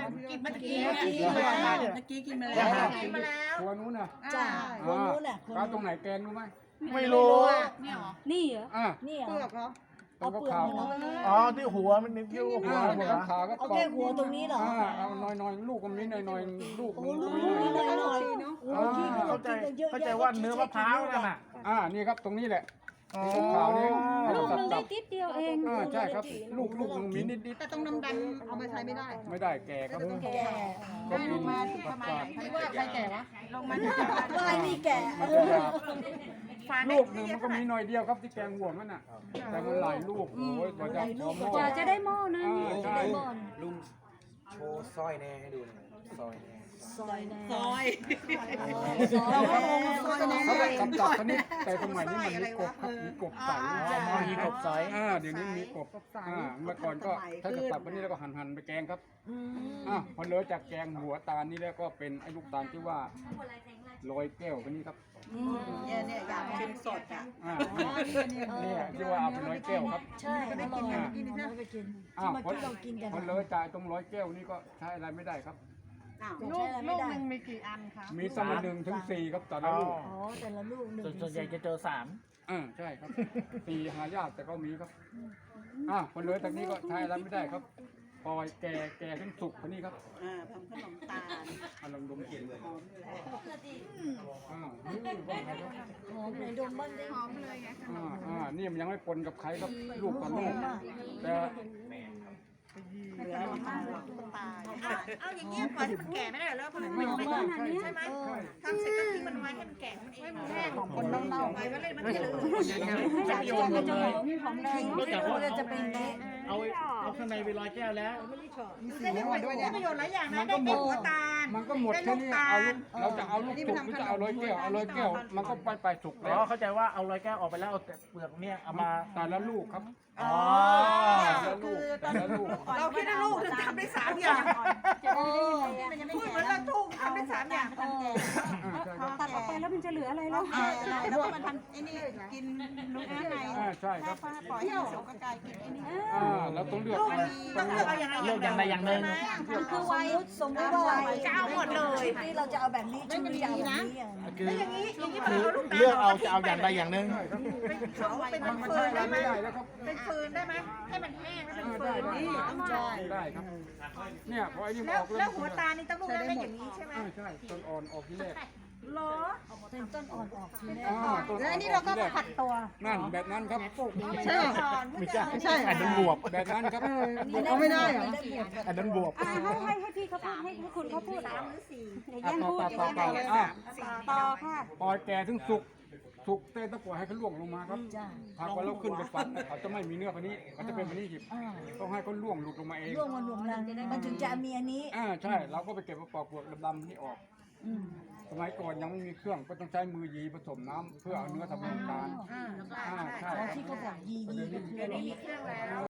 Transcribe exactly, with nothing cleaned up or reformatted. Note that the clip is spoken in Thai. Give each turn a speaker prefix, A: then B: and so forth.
A: กินเมื่อกี้เมื่อกี้กินมาแล้วเมื่อกี้กินมาแล้วกินมาแล้ว
B: ครัวนู้นน่ะ
C: จ้าคนนู้นน่ะคน
B: ร้านตร
C: นู้
B: ง
C: น
B: ไหนแกงรู้ไหม
D: ไม่รู้
A: เนี่ยหรอ
E: นี่เหรอ
B: อ่า
C: นี่เหร
A: เปลือ
C: อก
A: เหรอ
B: ตรง
C: เอา
B: กระ
C: เปลือก
B: เขา
C: นี่เหรอ
D: อ๋อที่หัวมันนิ้วหัว
B: อ่า
D: หัว
B: เนี่ยขาก็
C: เอา
B: กรอ
C: แค่
B: บ
C: หัวตรงนี้เหรอ
B: อ่าเอาน้อยๆลูกมันนี้น้อยๆลูก
C: โอ้
B: มัน
C: ลูก
B: นี้
C: นี่
B: น้อย
C: หน่อยหน่อยโอ้ที่ก็
D: เข้าใจ
C: กินกันเยอะ
D: เข้าใจ
C: แยะ
D: ว่าเนื้อมะพร้าวนั่นน่ะ
B: ๆอ่านี่ครับตรงนี้แหละ
D: อ๋อ
B: ตรงขาวนี่
E: ลูกห
B: สั
E: นึง
B: บ
E: ได้
B: ๆ
E: ติดเดียวเอง
B: อ่าใช่ครับ ลูกลูกมันมีนิด
A: แต่ตรงดำดำเอามาใช้ไม่ได้
B: ๆไม่ได้แก่ครับ
C: แก่
B: ก็กิน
A: มาถึงประมาณไหนคิดว่าใครแก่วะลงมา
C: ไม่นี่แก่
B: มันจะหยาบลูกหนึ่งมันก็มีหน่อยเดียวครับที่แกงห่วงนั่นน่ะแต่มันหลายลูกโอ้ยกว่าจะพอหม้
E: กว่า
B: อ
E: จะได้หม้อนะ
B: อ่าใช่
F: ลุงโชว์สร้อยแน่ให้ดูหน่อยสร้อยแน่
C: ซอยแน่
A: ซอย
C: ซอย
A: เราก็
C: แน่
A: งงซอยแน่
B: เขาก็สับจับชนิดแต่สมัยนี้มันมีกบครับมีกบใส่
D: อ๋อมีกบใส
B: อ่าเดี๋ยวนี้มีกบอ่าเมื่อก่อนก็ถ้าจะตัดวันนี้แล้วก็หั่นหั่นๆไปแกงครับอ่าพอเลยจากแกงหัวตาลนี่แล้วก็เป็นไอ้ลูกตาลที่ว่าลอยแก้วคนนี้ครับ
A: เนี่ยเนี่ยอยากกินสดอ่ะ
B: อ่านี่ที่ว่าเอาไปลอยแก้วครับ
C: ใช่อร่อยเราไปกิน
B: อ้าว
C: ที่
B: พอ
C: ที่เรากินกัน
B: พอเลยจ่ายตรงร้อยแก้วนี่ก็ใช้อะไรไม่ได้ครับ
C: ลูกลูกหนึ่งมี
B: มีตั้งแต่หนึ่งถึงสี่ครับแต่ละลูก
C: อ๋อแต่ละลูกหนึ่ง
D: ส่วนส่วนใหญ่จะเจอสาม
B: อ่าใช่ครับสี่หายากแต่ก็มีครับอ่าพอเลยจากนี้ก็ใช้อะไรไม่ได้ครับปล่อยแก่แก่ถึงสุกคนนี้ครับ
A: อ่าทำขนมตาล
B: อารมณ์ดมกลิ่นเลยอ่าอืมว่าไงครับ
C: หอมไหนดมบ้างดิ
B: อ่าอ่านี่มันยังไม่ปนกับใครครับลูกต่อลูกแต่
A: เอาอย่างเงี้ยปล่อยให้มันแก่ไม่ได้เหรอเพราะมัน
E: หอมขนาดเนี้ย
A: ใช่ไหมทำเสร็จก็ทิ้งมันไว้ให้มันแก่มันเองแห้งของคนเน่าๆไปก็เลยมันจะเหลือ
D: จะโยนหมดเลย
C: หอมแดง
D: นอกจากว่า
C: จะเป็นเละ
D: เอาเอาข้างในไปลอยแก้วแล้ว
A: ได้ประโยชน์ได้ประโยชน์หลายอย่างนะได้เป็นหัวตาล
B: มันก็หมดแค่นี้เอาลูกเราจะเอาลูกสุกหรือจะเอาร้อยแก้วเอาร้อยแก้วมันก็ไปไปสุก
D: อ๋
B: แล้
D: อ
B: ว
D: เข้าใจว่าเอาลอยแก้วออกไปแล้วเอาแต่เปลือกเนี่ยเอามา
B: แต่ละลูกครับ
D: อ๋อ
A: คือต
B: แต่
A: อน
B: ละลูก
A: เราคิดว่าลูกถึงทำได้สามอย่าง
C: โอ้
A: พูดเหมือนเราทุ่งทำได้สามอย่าง
B: อ่าใช่ครับ
E: ตัดออกไปแล้วมันจะเหลืออะไรแล้ว
A: แล้วก็มันทำไอ้นี่กินลูกข้างใน
B: อ่าใช่ครับ
A: ปล่อยให้สุกก็กลายกินไอ้นี่
B: อ่าเราต้องเลือก
A: ลูก
B: เอา
A: ต้องเลือกเอาอย่างไร
D: เลือกอย่างใดอย่างหนึ่ง
C: คือไว้สมมติว่า
A: จะเอาหมดเลย
C: ชุดนี้เราจะเอาแบบนี้ชุดนี้จะเอาแบบนี้อ่ะ
D: คือ
A: อย่างนี้อย่างนี้
D: คือ
A: เอาลูกตาล
D: เลือกเอาจะเอาอย่างใดอย่างหนึ่ง
A: เป็นเขาเป็น
B: มันมัน
A: ฟื
B: ใช้
A: น
B: อะไร
A: ได้ไหม
B: ไม่ได้แล้วครับ
A: เป็นฟืนได้ไหมให้มันแห้งแล้วเป็นฟื
B: ได้
A: น
B: ได้
A: นี่ต้องใช่
B: ได้ครับ เนี่ยพอไอ้นี่มัน
A: แล้ว
B: ออก
A: แล้วหัวตานี่ต้องลูกนั้นได้อย่างนี้ใช่ไหม
B: อ่าใช่ต้นอ่อนออกที่แรก
A: หรอ
C: เป็นต้นอ่อนออกทีแรก
B: อ่าต้น
A: แล้ว
B: อ่อ
A: อั
B: น
A: นนี้เราก็
B: ออกที่แร
A: ผัดตัว
B: นั่นแบบนั้นครับ
A: ใช่
D: ไม่ใช่ไม่ใช่อันนั้นบวบ
B: แบบนั้นครับ
C: เอาไม่ได้เหรอ
D: อันนั้นบวบ
E: อ่าให้ให้ให้พี่เขาพูดให้ให้คุณเขาพูด
A: สามหรือสี่
E: อย่า
B: อ่ะ
E: แย่ง
B: ต่อ
E: พูด
B: ต่อ
E: อย่า
B: ต่อ
E: แย่ง
B: ต่อ
E: พูด
B: อ่ะ
E: ต่อค่ะ
B: ปล่อยแก่ถึงสุกสุกเต้นตะกั่วให้เขาล่วงลงมาครับ
C: จ้า
B: หากว่าเราขึ้นไปฟันเขาจะไม่มีเนื้อพันนี้เขาจะเป็นพันนี้หยิบ
C: อ่า
B: ต้องให้เขาล่วงหลุดลงมาเอง
C: ร่วงมันรวมรังมันถึงจะมีอันนี้
B: อ่าใช่เราก็ไปเก็บมาปอกเปลือกดำๆนี่ออก
C: อืม
B: สมัยก่อนยังไม่มีเครื่องก็ต้องใช้มือยีผสมน้ำเพื่อเอาเนื้อทำน้ำตาล
A: อ่า
B: อ่าใช่
C: ที่เขาบอกยียีก็คืออะไร
A: มีเครื่องแล้ว